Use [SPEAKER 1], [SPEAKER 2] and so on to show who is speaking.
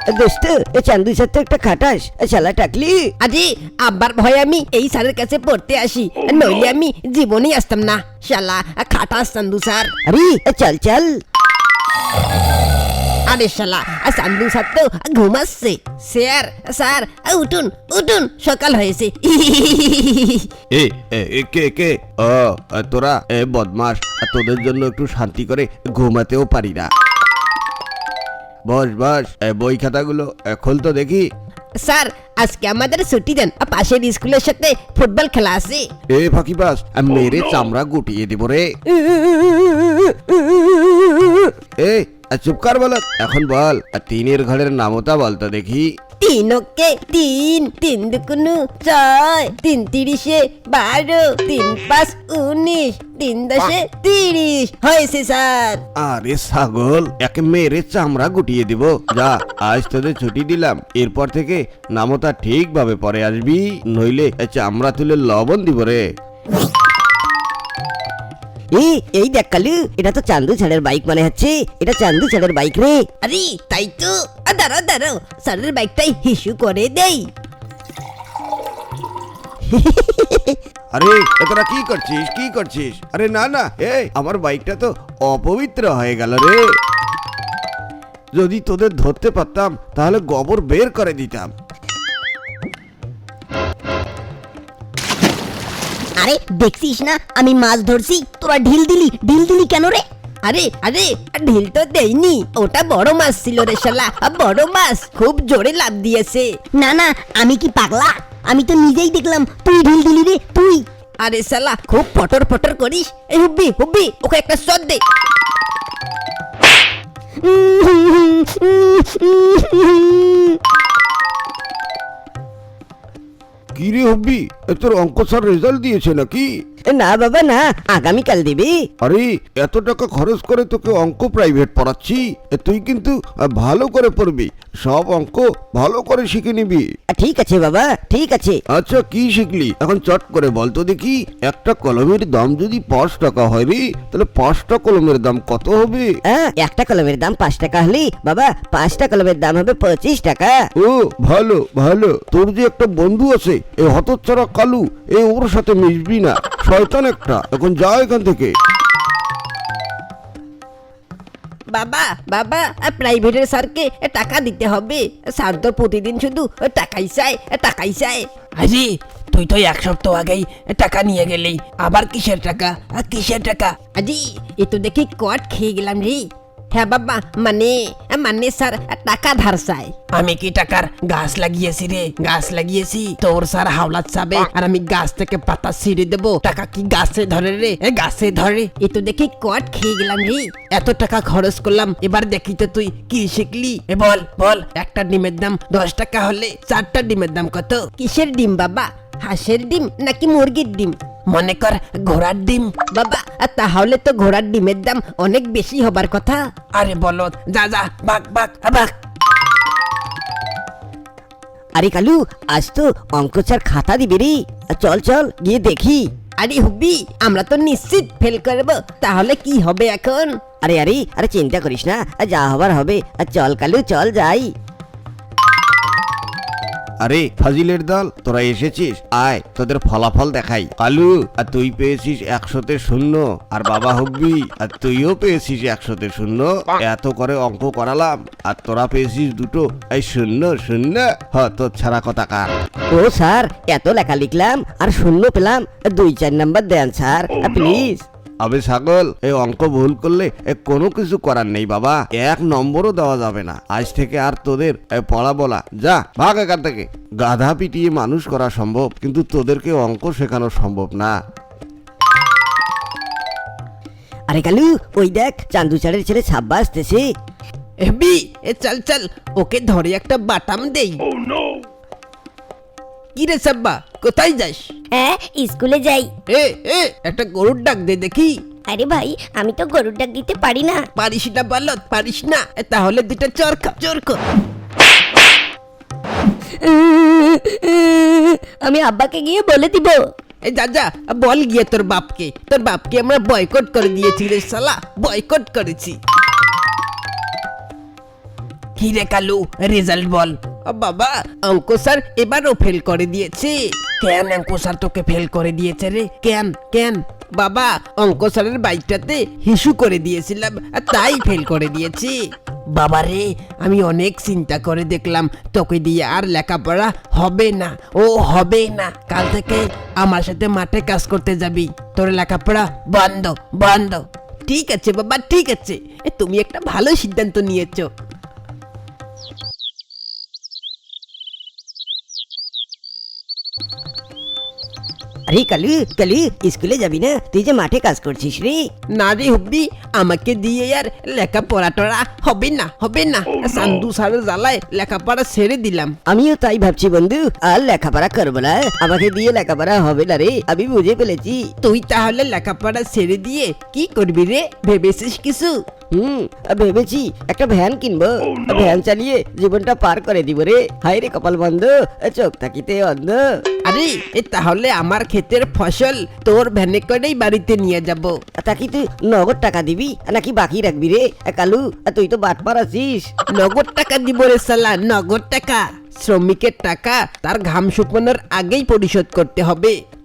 [SPEAKER 1] দোস্ত চান্দু স্যার তো একটা খাটাস, শালা টাকলি।
[SPEAKER 2] আরে আব্বার ভয় আমি এই স্যারের কাছে পড়তে আসি, নইলে আমি জীবনেই আসতাম না। শালা খাটাস চান্দু স্যার।
[SPEAKER 1] আরে চল চল।
[SPEAKER 2] আরে শালা চান্দু স্যার তো ঘুমাচ্ছে। স্যার স্যার উঠুন উঠুন, সকাল হয়েছে।
[SPEAKER 3] কে কে? ও তোরা বদমাস, তোদের জন্য একটু শান্তি করে ঘুমাতেও পারি না। বস বস, বই খাতাগুলো খোল তো দেখি।
[SPEAKER 2] স্যার আজকে আমাদের ছুটি দেন, পাশের স্কুলের সাথে ফুটবল খেলা আছে।
[SPEAKER 3] ফাঁকিবাজ, মেরে চামড়া গুটিয়ে দিব রে। চুপ কর বল, এখন বল তিনের ঘরের নামতা বলতো দেখি।
[SPEAKER 2] 3 ওকে 3, 3 দুগুণে 6, 3 তিরিশে 12, 3 5 19, 3 10 30 হয়েছে স্যার।
[SPEAKER 3] আরে ছাগল, একে মেরে চামড়া গুটিয়ে দিব। যা, আজ তোদের ছুটি দিলাম, এরপর থেকে নামতা ঠিকভাবে পরে আসবি, নইলে চামড়া তুলে লবণ দিব রে।
[SPEAKER 1] এই দেখ কালু, এটা তো চান্দু স্যারের বাইক মনে হচ্ছে। এটা চান্দু স্যারের বাইক রে।
[SPEAKER 2] আরে তাই তো, দাঁড়াও দাঁড়াও, স্যারের বাইকটাই হিসু করে দেই।
[SPEAKER 3] আরে তোরা কি করছিস কি করছিস? আরে না না, আমার বাইকটা তো অপবিত্র হয়ে গেল রে। যদি তোদের ধরতে পারতাম তাহলে গোবর বের করে দিতাম।
[SPEAKER 2] আরে দেখছিস না আমি মাছ ধরছি, তোরা ঢিল দিলি কেন রে? আরে আরে ঢিল তো দেইনি, ওটা বড় মাছ ছিল রে শালা, বড় মাছ খুব জোরে লাফ দিয়েছে।
[SPEAKER 4] না না, আমি কি পাগলা? আমি তো নিজেই দেখলাম তুই ঢিল দিলি রে, তুই।
[SPEAKER 2] আরে শালা খুব ফটর ফটর করিস। এই হুব্বি হুব্বি, ওকে একটা শট দে।
[SPEAKER 3] কি রে হব্বি, তোর অঙ্ক স্যার রেজাল্ট দিয়েছে নাকি?
[SPEAKER 1] না বাবা না, আগামীকাল দিবি।
[SPEAKER 3] আরে এত টাকা খরচ করে তোকে অঙ্ক প্রাইভেট পড়াচ্ছি, তুই কিন্তু ভালো করে পড়বি, সব অঙ্ক ভালো করে শিখে নিবি।
[SPEAKER 1] ঠিক আছে বাবা, ঠিক আছে।
[SPEAKER 3] আচ্ছা কি শিখলি এখন চট করে বল তো দেখি। একটা কলমের দাম যদি 5 টাকা হয় রে, তাহলে 5টা কলমের দাম কত হবে?
[SPEAKER 1] একটা কলমের দাম 5 টাকা হলে বাবা 5টা কলমের দাম হবে 25 টাকা।
[SPEAKER 3] ও ভালো ভালো, তোর যে একটা বন্ধু আছে এই হতচ্ছাড়া কালু, ওর সাথে মিশবি না, শয়তান একটা। এখন যা এখান থেকে।
[SPEAKER 2] বাবা বাবা, প্রাইভেটের স্যারকে টাকা দিতে হবে। স্যার তো প্রতিদিন শুধু টাকাই চায় টাকাই চায়।
[SPEAKER 5] আরে তুই তো 1 সপ্তাহ আগেই টাকা নিয়ে গেলি, আবার কিসের টাকা কিসের টাকা?
[SPEAKER 2] আজি এ তো দেখি কট খেয়ে গেলাম রে। হ্যাঁ বাবা, মানে মানে স্যার টাকা ধার চায়।
[SPEAKER 5] আমি কি টাকার গাছ লাগিয়েছি রে? গাছ লাগিয়েছি? তোর স্যার হাওলাত চাবে আর আমি গাছ থেকে পাতা ছিঁড়ে দেবো, টাকা কি গাছে ধরে রে? গাছে ধরে?
[SPEAKER 2] এ তো দেখি কট খেয়ে গেলাম রে।
[SPEAKER 5] এত টাকা খরচ করলাম, এবার দেখি তো তুই কি শিখলি। বল বল, একটা ডিমের দাম 10 টাকা হলে 4টা ডিমের দাম কত?
[SPEAKER 2] কিসের ডিম বাবা? হাঁসের ডিম নাকি মুরগির ডিম?
[SPEAKER 5] মনে কর ঘোড়ার ডিম।
[SPEAKER 2] বাবা তাহলে তো ঘোড়ার ডিমের দাম অনেক বেশি হবার কথা।
[SPEAKER 5] আরে বলো, যা যা বাক বাক বাক।
[SPEAKER 1] আরে কালু, আজ তো অঙ্ক স্যার খাতা দিবে রে, চল চল গিয়ে দেখি।
[SPEAKER 2] আরে হুব্বি, আমরা তো নিশ্চিত ফেল করব, তাহলে কি হবে এখন?
[SPEAKER 1] আরে আরে আরে চিন্তা করিস না, যা হবার হবে। চল কালু চল যাই।
[SPEAKER 3] আরে ফাজিলের দল, তোরা এসেছিস, আয় তোদের ফলাফল দেখাই। কালু, আর তুই পেয়েছিস 100তে 0, আর বাবা হব্বি আর তুইও পেয়েছিস 100তে 0। এত করে অঙ্ক করালাম আর তোরা পেয়েছিস 2টো, এই 0 0। তোর ছাড়া কথা কার?
[SPEAKER 1] ও স্যার, এত লেখা লিখলাম আর 0 পেলাম, 2-4 নাম্বার দেন স্যার প্লিজ।
[SPEAKER 3] আবে ছাগল, এই অঙ্ক ভুল করলে কোনো কিছু করার নেই বাবা, 1 নম্বরও দেওয়া যাবে না। আজ থেকে আর তোদের পড়া বলা, যা ভাগ এখান থেকে। গাধা পিটিয়ে মানুষ করা সম্ভব, কিন্তু তোদেরকে অঙ্ক শেখানো সম্ভব না।
[SPEAKER 1] আরে কালু, ওই দেখ চান্দু স্যারের ছেলে ছাব্বা আসতেছে।
[SPEAKER 2] হেব্বি চল চল, ওকে ধরে একটা বাটাম দেই। কি রে সাব্বা, কোথায় যাস?
[SPEAKER 4] হ্যাঁ, স্কুলে যাই।
[SPEAKER 2] এ একটা গরুর ডাক দে দেখি।
[SPEAKER 4] আরে ভাই, আমি তো গরুর ডাক দিতে পারি না।
[SPEAKER 2] পারিস না বলত, পারিস না? তাহলে 2টা চর খা, চর খা।
[SPEAKER 4] আমি আব্বাকে গিয়ে বলে দিব।
[SPEAKER 2] যা যা বল গিয়ে তোর বাপকে আমরা বয়কট করে দিয়েছি রে শালা, বয়কট করেছি।
[SPEAKER 5] কি রে কালু, রেজাল্ট বল। বাবা, অঙ্ক স্যার এবারও ফেল করে দিয়েছে। কেন অঙ্ক স্যার তোকে ফেল করে দিয়েছে রে? কেন কেন? বাবা, অঙ্ক স্যারের বাইকটাতে হিসু করে দিয়েছিলাম আর তাই ফেল করে দিয়েছি। বাবা রে, আমি অনেক চিন্তা করে দেখলাম তোকে দিয়ে আর লেখাপড়া হবে না, ও হবে না। কাল থেকে আমার সাথে মাঠে কাজ করতে যাবি, তোর লেখাপড়া বন্ধ বন্ধ। ঠিক আছে বাবা, ঠিক আছে, তুমি একটা ভালো সিদ্ধান্ত নিয়েছো।
[SPEAKER 1] আরে কালু কালু, স্কুলে যাবি না? তুই যে মাঠে কাজ করছিস রে।
[SPEAKER 5] না রে হুব্বি, আমাকে দিয়ে আর লেখাপড়া টড়া হবে না, হবে না। সান্দু সারের জ্বালায় লেখাপড়া ছেড়ে দিলাম।
[SPEAKER 1] আমিও তাই ভাবছি বন্ধু, আর লেখাপড়া করবো না। আমাকে দিয়ে লেখাপড়া হবে না রে, আমি বুঝে ফেলেছি।
[SPEAKER 5] তুই তাহলে লেখাপড়া ছেড়ে দিয়ে কি করবি রে? ভেবেছিস কিছু?
[SPEAKER 1] ভেবেছি একটা ভ্যান কিনবো, ভ্যান চালিয়ে জীবনটা পার করে দিব রে। হায় রে কপাল বন্ধ, চোখ থাকিতে অন্ধ।
[SPEAKER 5] আরে তাহলে আমার ক্ষেতের ফসল তোর ভ্যানে করেই বাড়িতে নিয়ে যাব।
[SPEAKER 1] তা কি তুই নগদ টাকা দিবি নাকি বাকি রাখবি রে? কালু, তুই তো বাটপার আছিস।
[SPEAKER 5] নগদ টাকা দিব রে সালা, নগদ টাকা। শ্রমিকের টাকা তার ঘাম শুকানোর আগেই পরিশোধ করতে হবে।